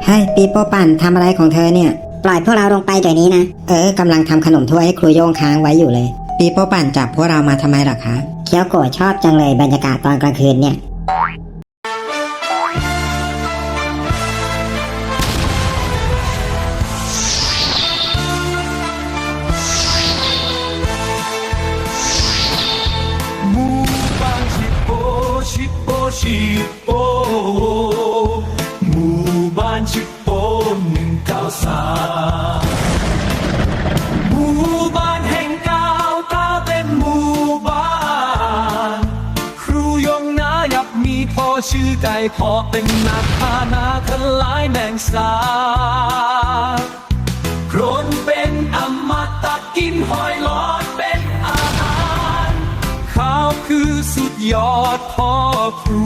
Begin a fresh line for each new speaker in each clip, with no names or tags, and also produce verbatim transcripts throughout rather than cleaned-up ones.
ฮ้ยปีโป้ปั่นทำอะไรของเธอเนี่ย
ปล่อยพวกเราลงไปเดี๋ยวนี้นะ
เออกำลังทำขนมถ้วยให้ครูโย่งค้างไว้อยู่เลยปีโป้ปั่นจับพวกเรามาทำไมล่ะคะ
เคียวโกะชอบจังเลยบรรยากาศตอนกลางคืนเนี่ย
หมู่บ้านชิปโปชิปโปชิปโปหมู่บ้านชิปโปหนึ่งเก้าสามหมู่บ้านแห่งก้าวก้าวเป็นหมู่บ้านครูยงนายับมีพ่อชื่อไก่พ่อเป็นนักพานาทลายแมงสาบโครนเป็นอมตะกินหอยหลอดเป็นอาหารข้าวคือสุดยอดพ่อครู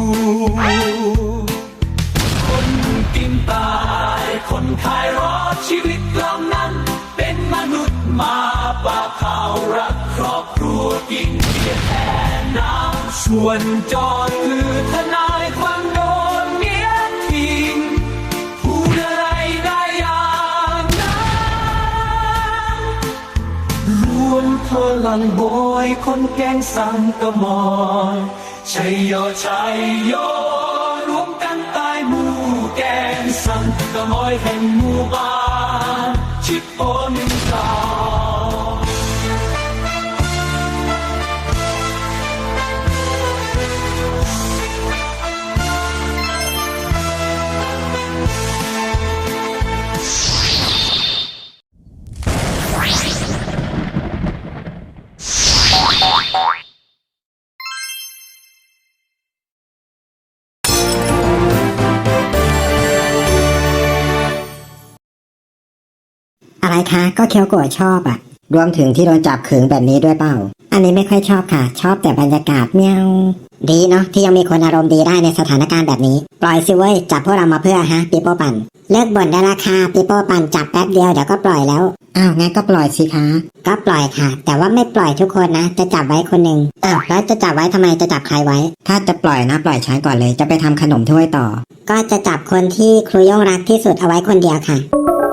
คนกินตายคนขายรอดชีวิตเหล่านั้นเป็นมนุษย์มาปาข่าวรักครอบครัวกินเบียร์แทนน้ำส่วนจอดคือทนายความโดนเมียทิ้งพูดอะไรได้อย่างนั้นรวมพลังโบยคนแกงสังกะมอยชัยโยชัยโยรวมกันตายหมู่แกงสังกะมอยแห่งหมู่บ้านชิปโปหนึ่งเก้า
อะไรคะก็เคียวโกะชอบอ่ะ
รวมถึงที่โดนจับขึงแบบนี้ด้วยเปล่า
อันนี้ไม่ค่อยชอบค่ะชอบแต่บรรยากาศเมียวดีเนาะที่ยังมีคนอารมณ์ดีได้ในสถานการณ์แบบนี้ปล่อยสิเว้ยจับพวกเรามาเพื่อฮะปีโป้ปั่นเลิกบ่นได้ราคาปีโป้ปั่นจับแป๊บเดียวเดี๋ยวก็ปล่อยแล้ว
อ้าวงั้นก็ปล่อยสิคะ
ก็ปล่อยค่ะแต่ว่าไม่ปล่อยทุกคนนะจะจับไว้คนหนึ่งอ้าวแล้วจะจับไว้ทำไมจะจับใครไว้
ถ้าจะปล่อยนะปล่อยฉันก่อนเลยจะไปทำขนมถ้วยต่อ
ก็จะจับคนที่ครูย่งรักที่สุดเอาไว้คนเดียวค่ะ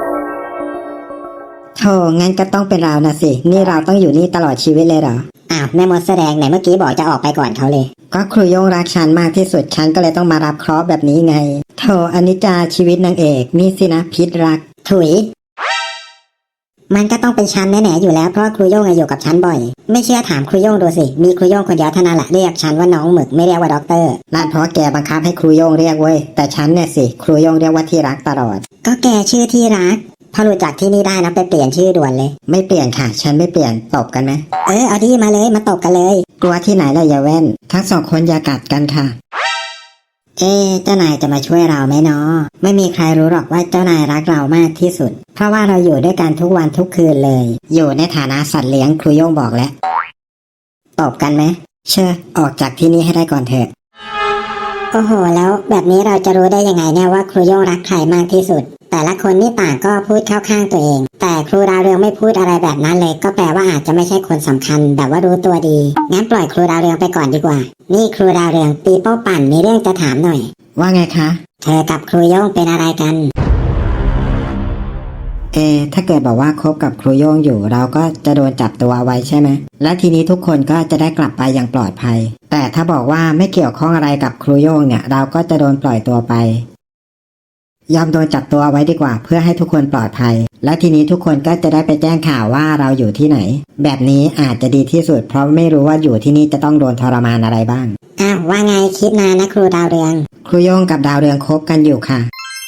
โธ่งั้นก็ต้องเป็นเรานะสินี่เราต้องอยู่นี่ตลอดชีวิตเลยเหรอ
อ้าวแม่มดแสดงไหนเมื่อกี้บอกจะออกไปก่อนเขาเลย
ก็ครูโย่งรักฉันมากที่สุดฉันก็เลยต้องมารับเคราะห์แบบนี้ไงโธ่อนิจจาชีวิตนางเอกนี่สินะพิษรัก
ถุยมันก็ต้องเป็นฉันแน่ๆอยู่แล้วเพราะครูโย่งอยู่กับฉันบ่อยไม่เชื่อถามครูโย่งดูสิมีครูโย่งคนเดียวเท่านั้นแหละเรียกฉันว่าน้องหมึกไม่เรียกว่าด็อกเตอร์
นั่นเพราะแกบังคับให้ครูโย่งเรียกเว้ยแต่ฉันเนี่ยสิครูโย่งเรียกว่าที่รักตลอด
ก็แกชื่อที่รักพอรู้จักที่นี่ได้นะไปเปลี่ยนชื่อด่วนเลย
ไม่เปลี่ยนค่ะฉันไม่เปลี่ยนตบกันไหม
เออเอาดีมาเลยมาตบกันเลย
กลัวที่ไหนล่ะอย่าแว่นทั้งสองคนอย่ากัดกันค่ะ
เอ๊เจ้านายจะมาช่วยเราไหมเนาะไม่มีใครรู้หรอกว่าเจ้านายรักเรามากที่สุดเพราะว่าเราอยู่ด้วยกันทุกวันทุกคืนเลย
อยู่ในฐานะสัตว์เลี้ยงครูโย่งบอกแล้ว
ตบกันไหม
เชื่อออกจากที่นี่ให้ได้ก่อนเถอะ
โอ้โหแล้วแบบนี้เราจะรู้ได้ยังไงเนี่ยว่าครูโย่งรักใครมากที่สุดแต่ละคนนี่ต่างก็พูดเข้าข้างตัวเองแต่ครูดาวเรืองไม่พูดอะไรแบบนั้นเลยก็แปลว่าอาจจะไม่ใช่คนสำคัญแบบว่ารู้ตัวดีงั้นปล่อยครูดาวเรืองไปก่อนดีกว่านี่ครูดาวเรืองปีโป้ปั่นมีเรื่องจะถามหน่อย
ว่าไงคะ
เธอกับครูโย่งเป็นอะไรกัน
เอถ้าเกิดบอกว่าคบกับครูโย่งอยู่เราก็จะโดนจับตัวไว้ใช่ไหมและทีนี้ทุกคนก็จะได้กลับไปอย่างปลอดภัยแต่ถ้าบอกว่าไม่เกี่ยวข้องอะไรกับครูโย่งเนี่ยเราก็จะโดนปล่อยตัวไปยอมโดนจับตัวไว้ดีกว่าเพื่อให้ทุกคนปลอดภัยและทีนี้ทุกคนก็จะได้ไปแจ้งข่าวว่าเราอยู่ที่ไหนแบบนี้อาจจะดีที่สุดเพราะไม่รู้ว่าอยู่ที่นี่จะต้องโดนทรมานอะไรบ้าง
อ้าวว่าไงคิดนานนะครูดาวเรือง
ครูโย่งกับดาวเรืองคบกันอยู่ค่ะ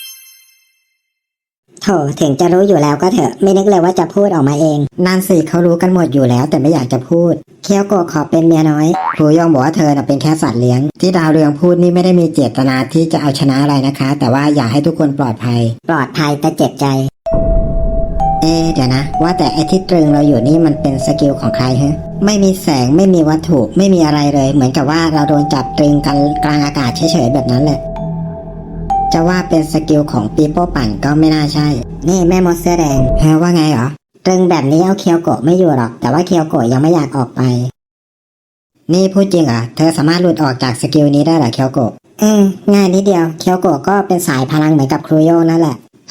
โถถึงจะรู้อยู่แล้วก็เถอะไม่นึกเลยว่าจะพูดออกมาเอง
นั่นสิเขารู้กันหมดอยู่แล้วแต่ไม่อยากจะพูด
เคียวโกะขอเป็นเมียน้อย
ครูโย่งบอกว่าเธอน่ะเป็นแค่สัตว์เลี้ยงที่ดาวเรืองพูดนี่ไม่ได้มีเจตนาที่จะเอาชนะอะไรนะคะแต่ว่าอยากให้ทุกคนปลอดภัย
ปลอดภัยแต่เจ็บใจ
เอ๊เดี๋ยวนะว่าแต่ไอ้ที่ตรึงเราอยู่นี่มันเป็นสกิลของใครฮะไม่มีแสงไม่มีวัตถุไม่มีอะไรเลยเหมือนกับว่าเราโดนจับตรึงกันกลางอากาศเฉยๆแบบนั้นแหละจะว่าเป็นสกิลของปีโป้ปั่นก็ไม่น่าใช่
นี่แม่มดเสื้อแดง
แฮว่าไงเหรอ
ตรึงแบบนี้เอาเคียวโกะไม่อยู่หรอกแต่ว่าเคียวโกะยังไม่อยากออกไป
นี่พูดจริงเหรอเธอสามารถหลุดออกจากสกิลนี้ได้เหรอเคียวโกะ
เออง่ายนิดเดียวเคียวโกะก็เป็นสายพลังเหมือนกับครูโย่งนั่นแหละ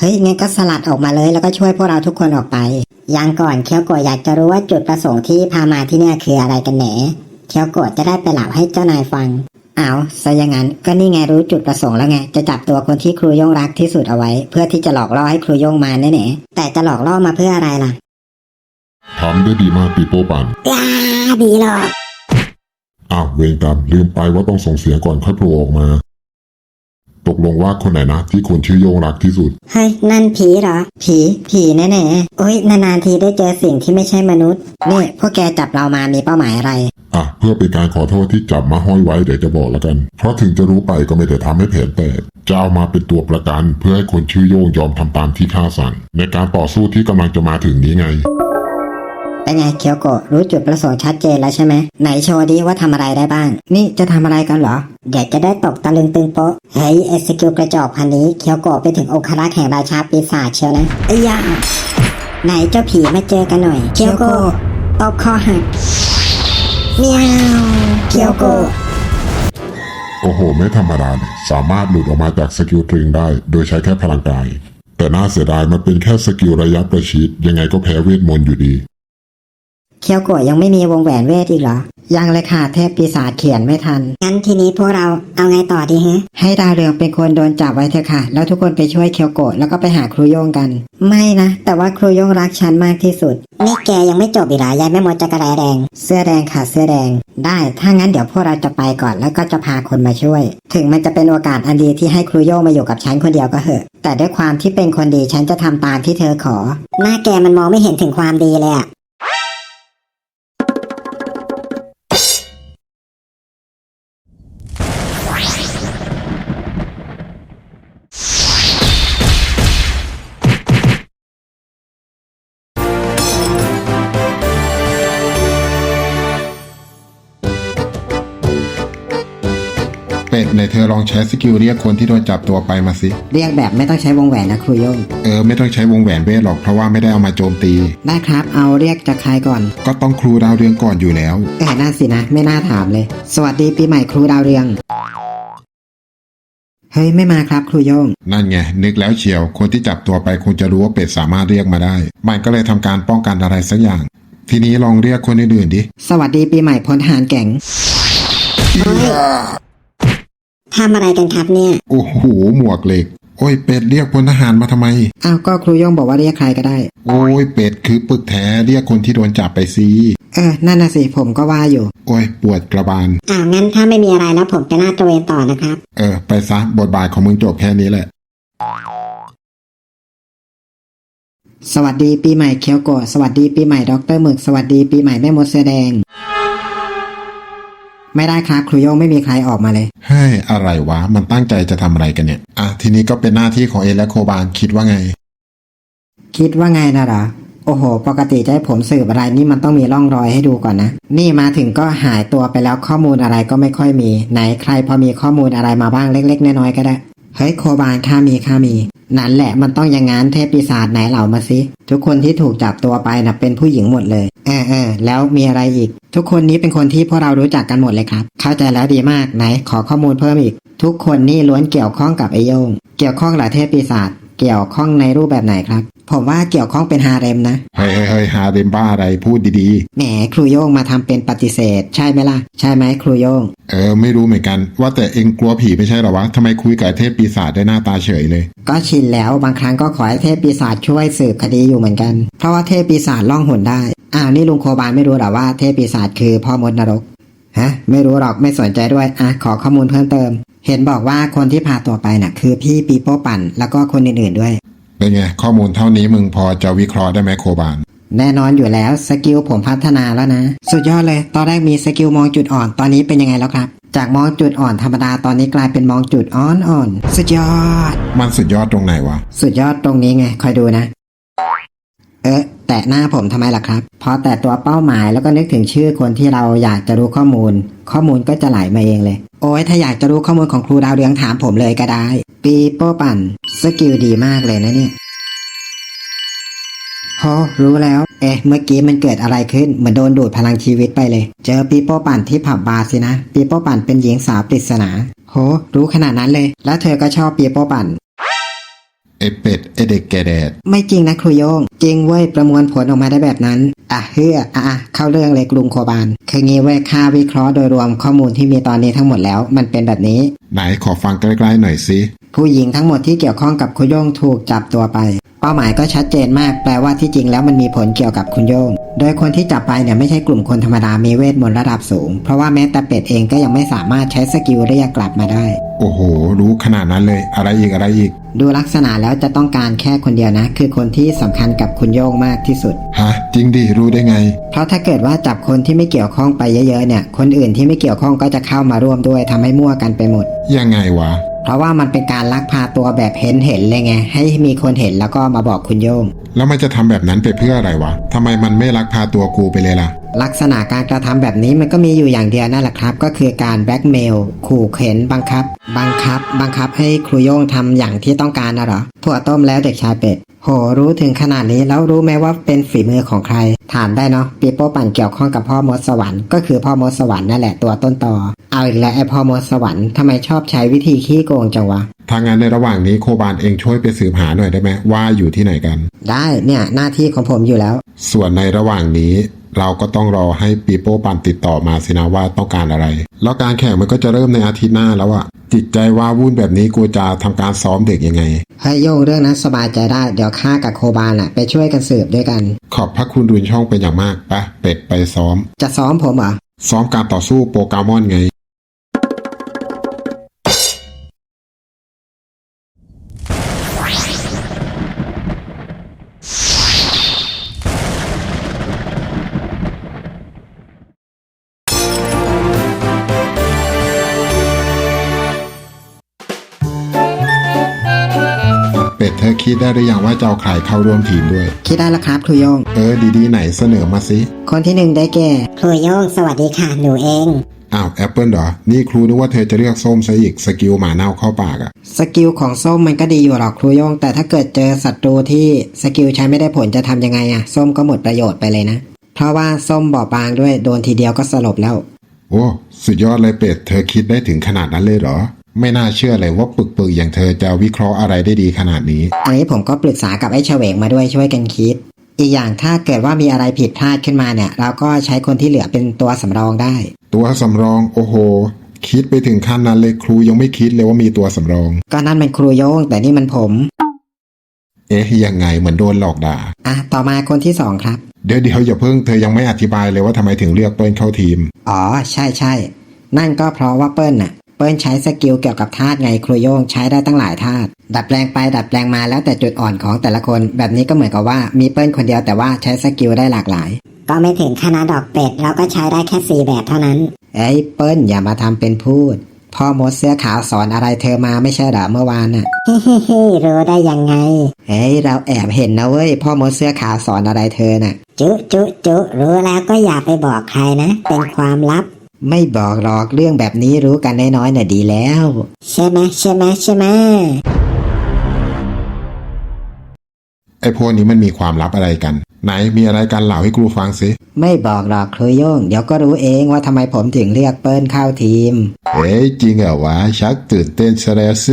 เฮ้ยงั้นก็สลัดออกมาเลยแล้วก็ช่วยพวกเราทุกคนออกไป
ยังก่อนเคียวโกะอยากจะรู้ว่าจุดประสงค์ที่พามาที่เนี่ยคืออะไรกันแหนเคียวโกะจะได้ไปเล่าให้เจ้านายฟัง
เอาซะอย่างนั้นก็นี่ไงรู้จุดประสงค์แล้วไงจะจับตัวคนที่ครูโย่งรักที่สุดเอาไว้ เพื่อที่จะหลอกล่อให้ครูโย่งมาแน่ๆ
แต่จะหลอกล่อมาเพื่ออะไรล่ะ
ทำได้ดีมากปีโป้ปัน
ยาดีหรอก
อ้าวเวรกรรมลืมไปว่าต้องส่งเสียงก่อนค่อยโผล่ออกมา ตกลงว่าคนไหนนะที่คนชื่อโยงรักที่สุด
เฮ้ยนั่นผีเหรอ
ผีผีแน่
โอ้ยนานๆทีได้เจอสิ่งที่ไม่ใช่มนุษย์
ๆนี่พวกแกจับเรามามีเป้าหมายอะไร
อ่ะเพื่อเป็นการขอโทษที่จับมาห้อยไว้เดี๋ยวจะบอกแล้วกัน เพราะถึงจะรู้ไปก็ไม่ได้ทำให้แผนแตกจะเอามาเป็นตัวประกันเพื่อให้คนชื่อโยงยอมทำตามที่ข้าสั่งในการต่อสู้ที่กำลังจะมาถึงนี้ไง
เป็นไงเคียวโกะรู้จุดประสงค์ชัดเจนแล้วใช่ไหมไหนโชว์ดิว่าทำอะไรได้บ้าง นี่จะทำอะไรกันเหรอ
เดี๋ยวจะได้ตกตะลึงตึงโป๊ะเฮ้ยไอสกิลกระจอกพันนี้เคียวโกะไปถึงองครักษ์แห่งราชาปีศาจเชียวนะไอ้ยาไหนเจ้าผีมาเจอกันหน่อยเคียวโกะตบคอหักเมียวเคียวโกะ
โอ้โหไม่ธรรมดาเลยสามารถหลุดออกมาจากสกิลตริงได้โดยใช้แค่พลังกายแต่น่าเสียดายมันเป็นแค่สกิลระยะประชิดยังไงก็แพ้เวทมนต์อยู่ดี
เคียวโกะยังไม่มีวงแหวนเวทอีกเหรอ ยังเลยค่ะเทพปีศาจเขียนไม่ทัน
งั้นทีนี้พวกเราเอาไงต่อดีฮะ
ให้ดาวเรืองเป็นคนโดนจับไว้เถอะค่ะ แล้วทุกคนไปช่วยเคียวโกะแล้วก็ไปหาครูโย่งกัน ไม่นะ แต่ว่าครูโย่งรักฉันมากที่สุด
นี่แกยังไม่จบอีกเหรอยายแม่มดจักรแร้แดง
เสื้อแดงค่ะเสื้อแดง ได้ถ้างั้นเดี๋ยวพวกเราจะไปก่อนแล้วก็จะพาคนมาช่วย ถึงมันจะเป็นโอกาสอันดีที่ให้ครูโย่งมาอยู่กับฉันคนเดียวก็เหอะ แต่ด้วยความที่เป็นคนดีฉันจะทำตามที่เธอขอ
หน้าแกมันมองไม่เห็นถึงความดีเลยอะ
เป็ดในเธอลองใช้สกิลเรียกคนที่โดนจับตัวไปมาสิ
เรียกแบบไม่ต้องใช้วงแหวนนะครูโย่ง
เออไม่ต้องใช้วงแหวนเวทหรอกเพราะว่าไม่ได้เอามาโจมตี
ได้ครับเอาเรียกจากใครก่อน
ก็ต้องครูดาวเรืองก่อนอยู่แล้ว
เออน่าสินะไม่น่าถามเลย สวัสดีปีใหม่ครูดาวเรืองเฮ้ยไม่มาครับครูโย่ง
นั่นไงนึกแล้วเชียวคนที่จับตัวไปคงจะรู้ว่าเป็ดสามารถเรียกมาได้มันก็เลยทำการป้องกันอะไรสักอย่าง ทีนี้ลองเรียกคนอื่นๆดิ
สวัสดีปีใหม่พลทหารแก่ง
ทำอะไรกันครับเนี่ย
โอ้โหหมวกเหล็ก โอ้ยเป็ดเรียกพลทหารมาทำไม
อ้าวก็ครูโย่งบอกว่าเรียกใครก็ได้
โอ้ยเป็ดคือปึกแท้เรียกคนที่โดนจับไปสิ
เออนั่นน่ะสิผมก็ว่าอยู่
โอ้ยปวดกระบาล
อ้าวงั้นถ้าไม่มีอะไรแล้วผมจะลาดตระเวนต่อนะครับ
เออไปซะบทบาทของมึงจบแค่นี้แหละ
สวัสดีปีใหม่เคียวโกะสวัสดีปีใหม่ด็อกเตอร์หมึกสวัสดีปีใหม่แม่มดเสื้อแดง ไม่ได้ครับครูโย่งไม่มีใครออกมาเลย
เฮ้ยอะไรวะมันตั้งใจจะทำอะไรกันเนี่ยอ่ะทีนี้ก็เป็นหน้าที่ของเอและโคบานคิดว่าไง
คิดว่าไงนะเหรอโอ้โหปกติจะให้ผมสืบอะไรนี่มันต้องมีร่องรอยให้ดูก่อนนะนี่มาถึงก็หายตัวไปแล้วข้อมูลอะไรก็ไม่ค่อยมีไหนใครพอมีข้อมูลอะไรมาบ้างเล็กๆน้อยๆก็ได้เฮ้ยโคบานข้ามีข้ามีนั่นแหละมันต้องอย่างงั้นเทพปีศาจไหนเหล่ามาสิทุกคนที่ถูกจับตัวไปน่ะเป็นผู้หญิงหมดเลยเออเออแล้วมีอะไรอีก ทุกคนนี้เป็นคนที่พวกเรารู้จักกันหมดเลยครับเข้าใจแล้วดีมากไหนขอข้อมูลเพิ่มอีกทุกคนนี่ล้วนเกี่ยวข้องกับไอโยงเกี่ยวข้องกับเทพปีศาจเกี่ยวข้องในรูปแบบไหนครับผมว่าเกี่ยวข้องเป็นฮาเร็มนะ
เฮ้ยเฮ้ยเฮ้ยหาเดมบ้าอะไรพูดดี
แหมครูโย่งมาทำเป็นปฏิเสธใช่ไหมล่ะใช่ไหมครูโย่ง
ๆเออไม่รู้เหมือนกันว่าแต่เองกลัวผีไม่ใช่เหรอวะทำไมคุยกับไอ้เทพปีศาจได้หน้าตาเฉยเลย
ก็ชินแล้วบางครั้งก็ขอให้เทพปีศาจช่วยสืบคดีอยู่เหมือนกันเพราะว่าเทพปีศาจล่องหนได้อ้าวนี่ลุงโคบานไม่รู้หรอว่าเทพปีศาจคือพ่อมดนรกฮะไม่รู้หรอกไม่สนใจด้วยอ่ะขอข้อมูลเพิ่มเติมเห็นบอกว่าคนที่พาตัวไปน่ะคือพี่ปีโป้ปั่นแล้วก็คนอื่นๆด้วย
เป็นไงข้อมูลเท่านี้มึงพอจะวิเคราะห์ได้ไหมโคบาน
แน่นอนอยู่แล้วสกิลผมพัฒนาแล้วนะสุดยอดเลยตอนแรกมีสกิลมองจุดอ่อนตอนนี้เป็นยังไงแล้วครับจากมองจุดอ่อนธรรมดาตอนนี้กลายเป็นมองจุดอ่อนอ่อนสุดยอด
มันสุดยอดตรงไหนวะ
สุดยอดตรงนี้ไงคอยดูนะเอ๊ะแตะหน้าผมทำไมล่ะครับพอแตะตัวเป้าหมายแล้วก็นึกถึงชื่อคนที่เราอยากจะรู้ข้อมูล ข้อมูลก็จะไหลมาเองเลยโอ้ยถ้าอยากจะรู้ข้อมูลของครูดาวเรืองถามผมเลยก็ได้ปีโป้ปั่นสกิลดีมากเลยนะเนี่ยโหรู้แล้วเอ๊ะเมื่อกี้มันเกิดอะไรขึ้นเหมือนโดนดูดพลังชีวิตไปเลยเจอปีโป้ปั่นที่ผับบาร์สินะปีโป้ปั่นเป็นหญิงสาวปริศนาโหรู้ขนาดนั้นเลยแล้วเธอก็ชอบปีโป้ปั่น
ไอเป็ดไอเด็กแก่แดด
ไม่จริงนะครูโยงจริงเว้ยประมวลผลออกมาได้แบบนั้นอ่ะเฮืออ่ะอ่ะเข้าเรื่องเลยกรุงโคบานคืองี้เว้ยค่าวิเคราะห์โดยรวมข้อมูลที่มีตอนนี้ทั้งหมดแล้วมันเป็นแบบนี้
ไหนขอฟังใกล้ๆหน่อยสิ
ผู้หญิงทั้งหมดที่เกี่ยวข้องกับคุณโย่งถูกจับตัวไปเป้าหมายก็ชัดเจนมากแปลว่าที่จริงแล้วมันมีผลเกี่ยวกับคุณโย่งโดยคนที่จับไปเนี่ยไม่ใช่กลุ่มคนธรรมดามีเวทมนต์ระดับสูงเพราะว่าแม้แต่เป็ดเองก็ยังไม่สามารถใช้สกิลเรียกกลับมาได้
โอ้โหรู้ขนาดนั้นเลยอะไรอีกอะไรอีก
ดูลักษณะแล้วจะต้องการแค่คนเดียวนะคือคนที่สำคัญกับคุณโย่งมากที่สุด
ฮะจริงดิรู้ได้ไง
เพราะถ้าเกิดว่าจับคนที่ไม่เกี่ยวข้องไปเยอะๆเนี่ยคนอื่นที่ไม่เกี่ยวข้องก็จะเข้ามาร่วมด้วยทำให้มั่วกันไปหมด
ยังไงวะ
เพราะว่ามันเป็นการลักพาตัวแบบเห็นเห็นเลยไงให้มีคนเห็นแล้วก็มาบอกคุณโย่ง
แล้วมันจะทำแบบนั้นไปเพื่ออะไรวะทำไมมันไม่ลักพาตัวกูไปเลยล่ะ
ลักษณะการกระทำแบบนี้มันก็มีอยู่อย่างเดียวนั่นแหละครับก็คือการแบล็กเมลขู่เข็นบังคับ บังคับ บังคับให้ครูโย่งทำอย่างที่ต้องการนะเหรอถั่วต้มแล้วเด็กชายเป็ดโหรู้ถึงขนาดนี้แล้วรู้ไหมว่าเป็นฝีมือของใครถามได้เนาะปีโป้ปั่นเกี่ยวข้องกับพ่อมดสวรรค์ก็คือพ่อมดสวรรค์นั่นแหละตัวต้นตอเอาอีกแล้วไอพ่อมดสวรรค์ทำไมชอบใช้วิธีขี้โกงจังวะ
ทางงานในระหว่างนี้โคบานเองช่วยไปสืบหาหน่อยได้ไหมว่าอยู่ที่ไหนกัน
ได้เนี่ยหน้าที่ของผมอยู่แล้ว
ส่วนในระหว่างนี้ เราก็ต้องรอให้ปีโป้ปันติดต่อมาสินะว่าต้องการอะไร แล้วการแข่งมันก็จะเริ่มในอาทิตย์หน้าแล้วอะจิตใจว่าวุ่นแบบนี้กูจะทำการซ้อมเด็กยังไง
ให้โย่งเรื่องนั้นสบายใจได้เดี๋ยวข้ากับโคบานอะไปช่วยกันสืบด้วยกัน
ขอบพระคุณรุนช่องเป็นอย่างมากปะเป็ดไปซ้อม
จะซ้อมผมเหรอ
ซ้อมการต่อสู้โปเกมอนไง เป็ดเธอคิดได้หรือยังว่าจะเอาใครเข้าร่วมทีมด้วย
คิดได้แล้วครับครูโย่ง
เออดีๆไหนเสนอมาสิ
คนที่หนึ่งได้แก่
ครูโย่งสวัสดีค่ะหนูเอง
อ้าวแอปเปิลเหรอ นี่ครูนึกว่าเธอจะเรียกส้มซะอีกสกิลหมาเน่าเข้าปากอะ
สกิลของส้มมันก็ดีอยู่หรอกครูโย่งแต่ถ้าเกิดเจอศัตรูที่สกิลใช้ไม่ได้ผลจะทำยังไงอะส้มก็หมดประโยชน์ไปเลยนะเพราะว่าส้มบอบบางด้วยโดนทีเดียวก็สลบแล้ว
โอ้สุดยอดเลยเป็ดเธอคิดได้ถึงขนาดนั้นเลยเหรอ ไม่น่าเชื่อเลยว่าปึกๆอย่างเธอจะวิเคราะห์อะไรได้ดีขนาดนี้
อันนี้ผมก็ปรึกษากับไอ้เฉวงมาด้วยช่วยกันคิด อีกอย่างถ้าเกิดว่ามีอะไรผิดพลาดขึ้นมาเนี่ยเราก็ใช้คนที่เหลือเป็นตัวสำรองได้
ตัวสำรองโอ้โห คิดไปถึงขั้นนั้นเลยครูยังไม่คิดเลยว่ามีตัวสำรอง
ก็นั่นเป็นครูโย่งแต่นี่มันผม
เอ๊ะยังไงเหมือนโดนหลอกด่า
อ่ะต่อมาคนที่สองครับ
เดี๋ยวเดี๋ยวอย่าเพิ่งเธอยังไม่อธิบายเลยว่าทำไมถึงเลือกเปิ้ลเข้าทีม
อ๋อใช่ใช่นั่นก็เพราะว่าเปิ้ลน่ะเปิ้ลใช้สกิลเกี่ยวกับธาตุไงครูโย่งใช้ได้ตั้งหลายธาตุดัดแปลงไปดัดแปลงมาแล้วแต่จุดอ่อนของแต่ละคนแบบนี้ก็เหมือนกับว่ามีเปิ้ลคนเดียวแต่ว่าใช้สกิลได้หลากหลาย
ก็ไม่ถึงขนาดดอกเป็ดเราก็ใช้ได้แค่สี่แบบเท่านั้น
เอ้ยเปิ้ลอย่ามาทำเป็นพูดพ่อมดเสื้อขาวสอนอะไรเธอมาไม่ใช่เหรอเมื่อวานน่ะ
ฮิฮิฮิรู้ได้ยังไง
เฮ้ยเราแอบเห็นนะเว้ยพ่อมดเสื้อขาวสอนอะไรเธอน่ะ
จุจุจุรู้แล้วก็อย่าไปบอกใครนะ เป็นความลับ
ไม่บอกหรอกเรื่องแบบนี้รู้กันน้อยๆน่ะดีแล้ว
ใช่ไหมใช่ไหมใช่ไหม
ไอ้พวกนี้มันมีความลับอะไรกัน ไหนมีอะไรกันเล่าให้ครูฟังสิ
ไม่บอกหรอกครูโย่งเดี๋ยวก็รู้เองว่าทำไมผมถึงเลือกเปิ้ลเข้าทีม
เฮ้ยจริงเหรอวะชักตื่นเต้นซะแล้วสิ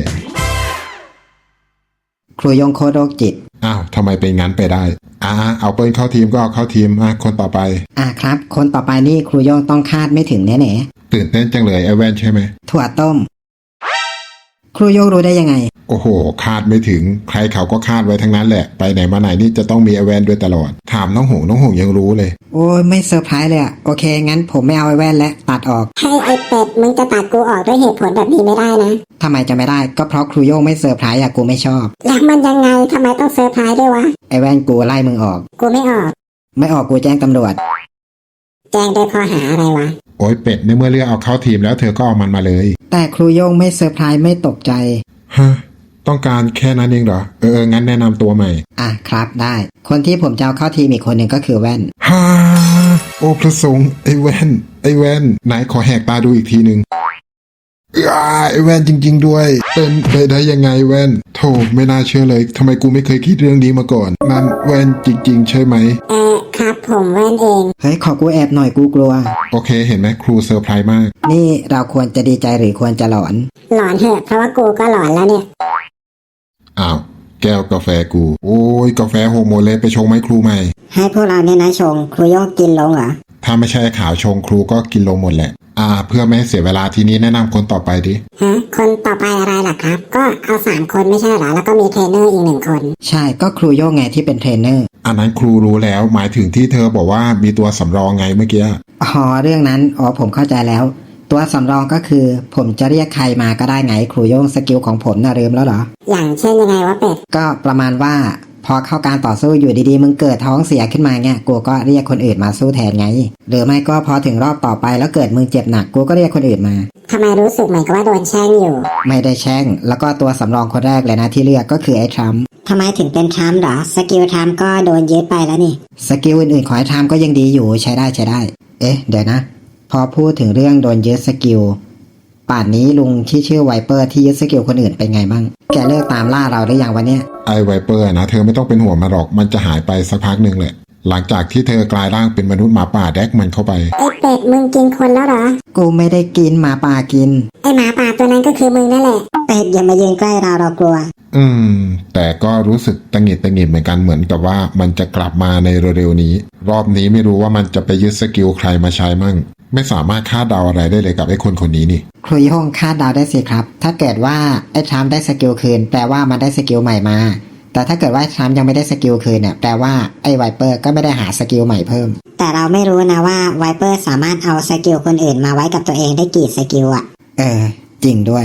ครูโย่งโคตรโรคจิต
อ้าวทำไมเป็นงั้นไปได้อ่าเอาเปิ้ลเข้าทีมก็เอาเข้าทีมอ่ะคนต่อไป
อ่ะครับคนต่อไปนี่ครูโย่งต้องคาดไม่ถึงแน่
ตื่นเต้นจังเลยไอ้แว่นใช่ไหม
ๆถั่วต้ม ครูโย่งรู้ได้ยังไง
โอ้โห คาดไม่ถึง ใครเขาก็คาดไว้ทั้งนั้นแหละ ไปไหนมาไหนนี่จะต้องมีไอแวนด้วยตลอด ถามน้องหงน้องหงยังรู้เลย
โอ้ยไม่เซอร์ไพรส์เลยอะโอเคงั้นผมไม่เอาไอ้แว่นและตัดออก
ให้ไอเป็ดมึงจะตัดกูออกด้วยเหตุผลแบบนี้ไม่ได้นะ
ทำไมจะไม่ได้ก็เพราะครูโย่งไม่เซอร์ไพรส์อะกูไม่ชอบ
แล้วมันยังไงทำไมต้องเซอร์ไพรส์ด้วยวะ
ไอ้แว่นกูไล่มึงออก
กูไม่ออก
ไม่ออกกูแจ้งตำรวจ
แจ้งด้วยข้อหาอะไรวะ
โอ้ยเป็ดในเมื่อเลือกเอาเข้าทีมแล้วเธอก็เอามันมาเลย
แต่ครูโย่งไม่เซอร์ไพรส์ไม่ตกใจ
ฮะ ต้องการแค่นั้นเองเหรอ เออเอองั้นแนะนำตัวใหม่
อ่ะครับได้ คนที่ผมจะเอาเข้าทีมอีกคนหนึ่งก็คือแว่น
ฮ่า โอ้พระสงฆ์ไอ้แว่น ไอ้แว่น ไหนขอแหกตาดูอีกทีหนึ่งอ้าไอ้แว่นจริง ๆ ด้วย เป็นไปได้ยังไงแว่นโธ่ไม่น่าเชื่อเลยทำไมกูไม่เคยคิดเรื่องนี้มาก่อน นั่นแว่นจริง ๆ ใช่ไหม
เออครับผมแว่นเอง
เฮ้ยขอกูแอบหน่อยกูกลัว
โอเคเห็นไหมครูเซอร์ไพรส์มาก
นี่เราควรจะดีใจหรือควรจะหลอน
หลอนเถอะเพราะว่ากูก็หลอนแล้วเนี่ย
อ้าวแก้วกาแฟกู โอ้ยกาแฟโฮโมเลไปชงไหมครูใหม่
ให้พวกเราเนี่ยนะชงครูโย่งกินลงเหรอ
ถ้าไม่ใช่ขาวชงครูก็กินลงหมดแหละ อ่า เพื่อไม่ให้เสียเวลาทีนี้แนะนำคนต่อไปดิ
ฮะคนต่อไปอะไรล่ะครับ ก็เอาสามคนไม่ใช่เหรอแล้วก็มีเทรนเนอร์อีกหนึ่งคน
ใช่ก็ครูโย่งไงที่เป็นเทรนเนอร์
อันนั้นครูรู้แล้วหมายถึงที่เธอบอกว่ามีตัวสำรองไงเมื่อกี้
อ๋อเรื่องนั้นอ๋อผมเข้าใจแล้ว ตัวสำรองก็คือ ผมจะเรียกใครมาก็ได้ไงครูโย่งสกิลของผมน่ะลืมแล้วเหรอ
อย่างเช่นยังไงวะเป็ด
ก็ประมาณว่าพอเข้าการต่อสู้อยู่ดีๆมึงเกิดท้องเสียขึ้นมาเงี้ยกูก็เรียกคนอื่นมาสู้แทนไง หรือไม่ก็พอถึงรอบต่อไปแล้วเกิดมึงเจ็บหนักกูก็เรียกคนอื่นมา
ทำไมรู้สึกเหมือนกับว่าโดนแช่งอยู่
ไม่ได้แช่งแล้วก็ตัวสำรองคนแรกเลยนะที่เลือกก็คือไอ้ทรัมป์
ทำไมถึงเป็นทรัมป์เหรอสกิลทรัมป์ก็โดนยึดไปแล้วนี่
สกิลอื่นๆของไอ้ทรัมป์ก็ยังดีอยู่ใช้ได้ใช้ได้ เอ๊ะเดี๋ยวนะ พอพูดถึงเรื่องโดนยึดสกิลป่านนี้ลุงที่ชื่อไวเปอร์ที่ยึดสกิลคนอื่นเป็นไงบ้างแกเลิกตามล่าเราหรือยังวะเนี่ย
ไอไวเปอร์นะเธอไม่ต้องเป็นห่วงมาหรอกมันจะหายไปสักพักหนึ่งแหละ หลังจากที่เธอกลายร่างเป็นมนุษย์หมาป่าแดกมันเข้าไป
ไอเป็ดมึงกินคนแล้วเหรอ
กูไม่ได้กินหมาป่ากิน
ไอหมาป่าตัวนั้นก็คือมึงนั่นแหละเป็ดอย่ามายืนใกล้เราเรากลัว
อืม แต่ก็รู้สึกตังหงิดตังหงิดเหมือนกันเหมือนกับว่ามันจะกลับมาในเร็วๆนี้ รอบนี้ไม่รู้ว่ามันจะไปยึดสกิลใครมาใช้มั่งไม่สามารถคาดเดาอะไรได้เลยกับไอ้คนคนนี้นี่
ครูโย่งคาดเดาได้สิครับ ถ้าเกิดว่าไอ้ทรัมป์ได้สกิลคืนแปลว่ามันได้สกิลใหม่มา แต่ถ้าเกิดว่าทรัมป์ยังไม่ได้สกิลคืนเนี่ยแปลว่าไอ้ไวเปอร์ก็ไม่ได้หาสกิลใหม่เพิ่ม
แต่เราไม่รู้นะว่าไวเปอร์สามารถเอาสกิลคนอื่นมาไว้กับตัวเองได้กี่สกิลอะ
เออจริงด้วย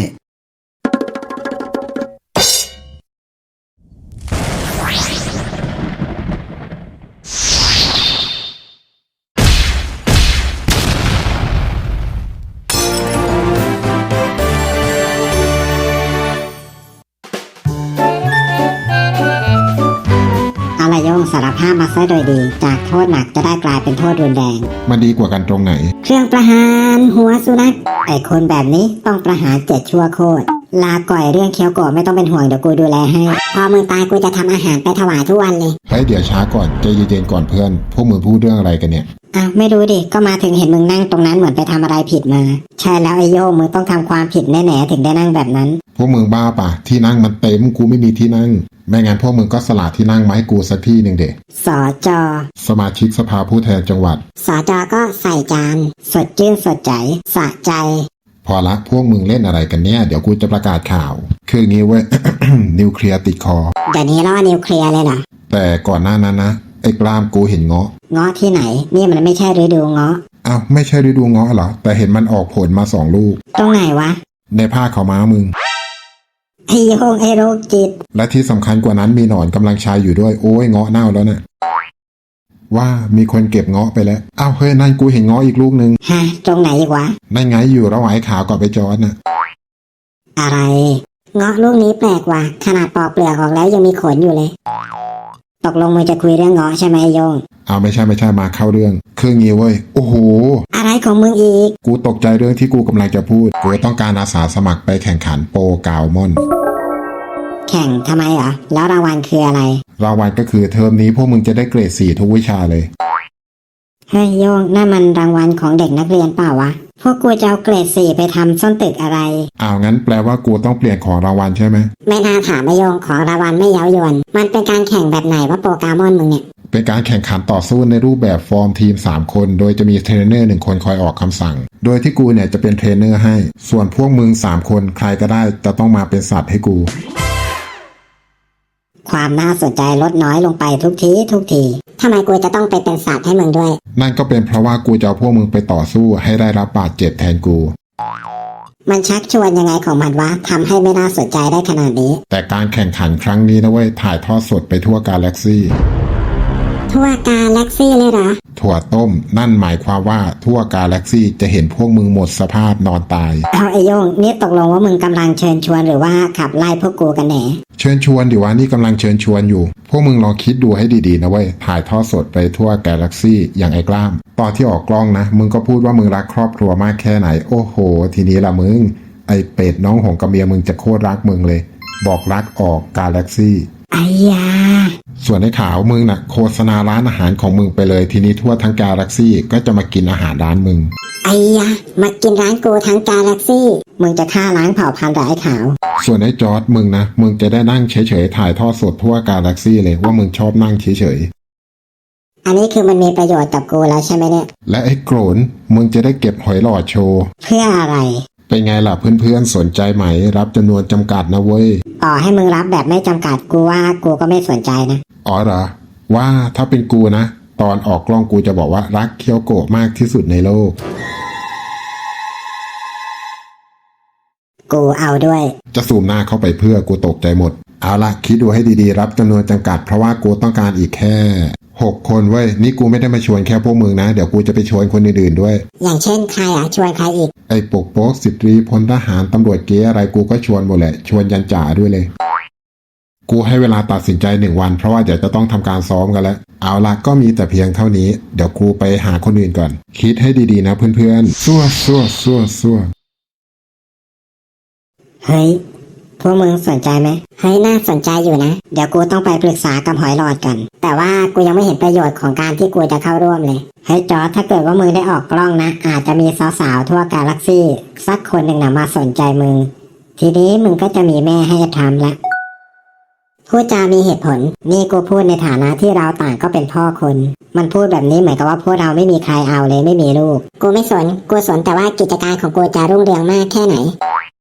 เอาละโยงสารภาพมาซะโดยดี จากโทษหนักจะได้กลายเป็นโทษรุนแรง
มันดีกว่ากันตรงไหน
เครื่องประหารหัวสุนัขไอคนแบบนี้ต้องประหารเจ็ดชั่วโคตรลาก่อยเรื่องเคี้ยวโกะไม่ต้องเป็นห่วงเดี๋ยวกูดูแลให้ พอมึงตายกูจะทำอาหารไปถวายทุกวันเลย
เฮ้ยเดี๋ยวช้าก่อนใจเย็นๆก่อนเพื่อนพวกมึงพูดเรื่องอะไรกันเนี่ย
อ้าวไม่รู้ดิก็มาถึงเห็นมึงนั่งตรงนั้นเหมือนไปทำอะไรผิดมา ใช่แล้วไอโยงมึงต้องทำความผิดแน่ๆถึงได้นั่งแบบนั้น
พวกมึงบ้าป่ะที่นั่งมันเต็มกูไม่มีที่นั่งไม่งั้นพวกมึงก็สละที่นั่งมาให้กูสักที่หนึ่งเด็ก
สอจอ
สมาชิกสภาผู้แทนจังหวัด
สอจาก็ใส่จาน สดชื่นสดใจสะใจ
พอละพวกมึงเล่นอะไรกันเนี่ยเดี๋ยวกูจะประกาศข่าว คืองี้เว้ย นิวเคลียร์ติดคอ
เดี๋ยวนี้ล่อนิวเคลียร์เลยเหรอ
แต่ก่อนหน้านั้นนะไอ้กล้ามกูเห็นเงาะ
เงาะที่ไหนนี่มันไม่ใช่ฤดูเงาะ
อ้าวไม่ใช่ฤดูเงาะเหรอแต่เห็นมันออกผลมาสองลูก
ตรงไหนวะ
ในผ้าขาวม้ามึง
ไอโยงไอโรคจิต
และที่สำคัญกว่านั้นมีหนอนกำลังชายอยู่ด้วยโอ้ยเงาะเน่าแล้วนะว่ามีคนเก็บเงาะไปแล้วอ้าวเฮ้ยนั่นกูเห็นเงาะอีกลูกนึง
ฮะตรงไหนอีกวะ
นั่นไงอยู่ระหว่างไอ้ขาวกับไอ้จอร์ดนะ
อะไร เงาะลูกนี้แปลกว่ะขนาดปอกเปลือกออกแล้วยังมีขนอยู่เลย ตกลงมึงจะคุยเรื่องเงาะใช่ไหมไอ้โยง
เอาไม่ใช่ไม่ใช่มาเข้าเรื่องคืองี้เว้ยโอ้โห
อะไรของมึงอีก
กูตกใจเรื่องที่กูกำลังจะพูดกูต้องการอาสาสมัครไปแข่งขันโปรกาวมอน
แข่งทำไมเหรอแล้วรางวัลคืออะไร
รางวัลก็คือเทอมนี้พวกมึงจะได้เกรดสี่ทุกวิชาเลย
เฮ้ยโยงนั่นมันรางวัลของเด็กนักเรียนเปล่าวะพวกกูจะเอาเกรดสี่ไปทำส้นตึกอะไร
อ้าวงั้นแปลว่ากูต้องเปลี่ยนของรางวัลใช่ไหม
ไม่น่าถามไอโยงของรางวัลไม่เย้ายวนมันเป็นการแข่งแบบไหนว่าโปรแกรมอนมึงเนี่ย
เป็นการแข่งขันต่อสู้ในรูปแบบฟอร์มทีมสามคนโดยจะมีเทรนเนอร์หนึ่งคนคอยออกคำสั่งโดยที่กูเนี่ยจะเป็นเทรนเนอร์ให้ส่วนพวกมึงสามคนใครก็ได้จะต้องมาเป็นสัตว์ให้กู
ความน่าสนใจลดน้อยลงไปทุกทีทุกทีทำไมกูจะต้องไปเป็นสัตว์ให้มึงด้วย
นั่นก็เป็นเพราะว่ากูจะเอาพวกมึงไปต่อสู้ให้ได้รับบาดเจ็บแทนกู
มันชักชวนยังไงของมันวะทำให้ไม่น่าสนใจได้ขนาดนี้
แต่การแข่งขันครั้งนี้นะเว้ยถ่ายทอดสดไปทั่วกาแล็กซี่
ทั่วกาแล็กซี่เลยเหรอ
ถั่วต้มนั่นหมายความว่าทั่วกาแล็กซี่จะเห็นพวกมึงหมดสภาพนอนตาย
เอาไอโยงนี่ตกลงว่ามึงกำลังเชิญชวนหรือว่าขับไล่พวกกูกันแหน
เชิญชวนดิว่านี่กำลังเชิญชวนอยู่พวกมึงลองคิดดูให้ดีๆนะเว้ยถ่ายทอดสดไปทั่วกาแล็กซี่อย่างไอ้กล้ามตอนที่ออกกล้องนะมึงก็พูดว่ามึงรักครอบครัวมากแค่ไหนโอ้โหทีนี้ละมึงไอ้เป็ดน้องของกระเมียมึงจะโคตรรักมึงเลยบอกรักออกกาแล็กซี่
อไอ้ยา
ส่วนไอ้ขาวมึงน่ะโฆษณาร้านอาหารของมึงไปเลยทีนี้ทั่วทั้งกาแล็กซี่ก็จะมากินอาหารร้านมึง
ไอ้ยามากินร้านกูทั้งกาแล็กซี่มึงจะฆ่าล้างเผ่าพันธุ์เหรอไอ้ขาว
ส่วนไอ้จอร์ดมึงนะมึงจะได้นั่งเฉยๆถ่ายทอดสดทั่วกาแล็กซี่เลยว่ามึงชอบนั่งเฉย
อันนี้คือมันมีประโยชน์กับกูแล้วใช่ไหมเนี่ย
ๆและไอ้โกรนมึงจะได้เก็บหอยหลอดโชว์
เพื่ออะไร
เป็นไงล่ะเพื่อนๆสนใจไหมรับจำนวนจำกัดนะเว้ย
ต่อให้มึงรับแบบไม่จำกัดกูว่ากูก็ไม่สนใจนะ
อ๋อเหรอว่าถ้าเป็นกูนะตอนออกกล้องกูจะบอกว่ารักเคียวโกะมากที่สุดในโลก
กูเอาด้วย
จะซูมหน้าเข้าไปเพื่อกูตกใจหมดเอาละคิดดูให้ดีๆรับจำนวนจำกัดเพราะว่ากูต้องการอีกแค่หกคนเว้ยนี่กูไม่ได้มาชวนแค่พวกมึงนะเดี๋ยวกูจะไปชวนคนอื่นๆด้วย
อย่างเช่นใครอ่ะชวนใครอีก
ไอ้ปกโป๊กสิบตรีพลทหารตำรวจเก๋อะไรกูก็ชวนหมดแหละชวนยันจ่าด้วยเลย กูให้เวลาตัดสินใจหนึ่งวันเพราะว่าเดี๋ยวจะต้องทำการซ้อมกันแล้วเอาละก็มีแต่เพียงเท่านี้เดี๋ยวกูไปหาคนอื่นก่อน คิดให้ดีๆนะเพื่อนๆซัวซัวซัวซัว
เฮ้ยพวกมึงสนใจไหมเฮ้ยน่าสนใจอยู่นะเดี๋ยวกูต้องไปปรึกษากับหอยหลอดกันแต่ว่ากูยังไม่เห็นประโยชน์ของการที่กูจะเข้าร่วมเลยเฮ้ยจอร์จถ้าเกิดว่ามึงได้ออกกล้องนะอาจจะมีสาวๆทั่วกาแล็กซี่สักคนหนึ่งนะมาสนใจมึงทีนี้มึงก็จะมีแม่ให้ทำละพูดจามีเหตุผลนี่กูพูดในฐานะที่เราต่างก็เป็นพ่อคนมันพูดแบบนี้เหมือนกับว่าพวกเราไม่มีใครเอาเลยไม่มีลูกกูไม่สนกูสนแต่ว่ากิจการของกูจะรุ่งเรืองมากแค่ไหน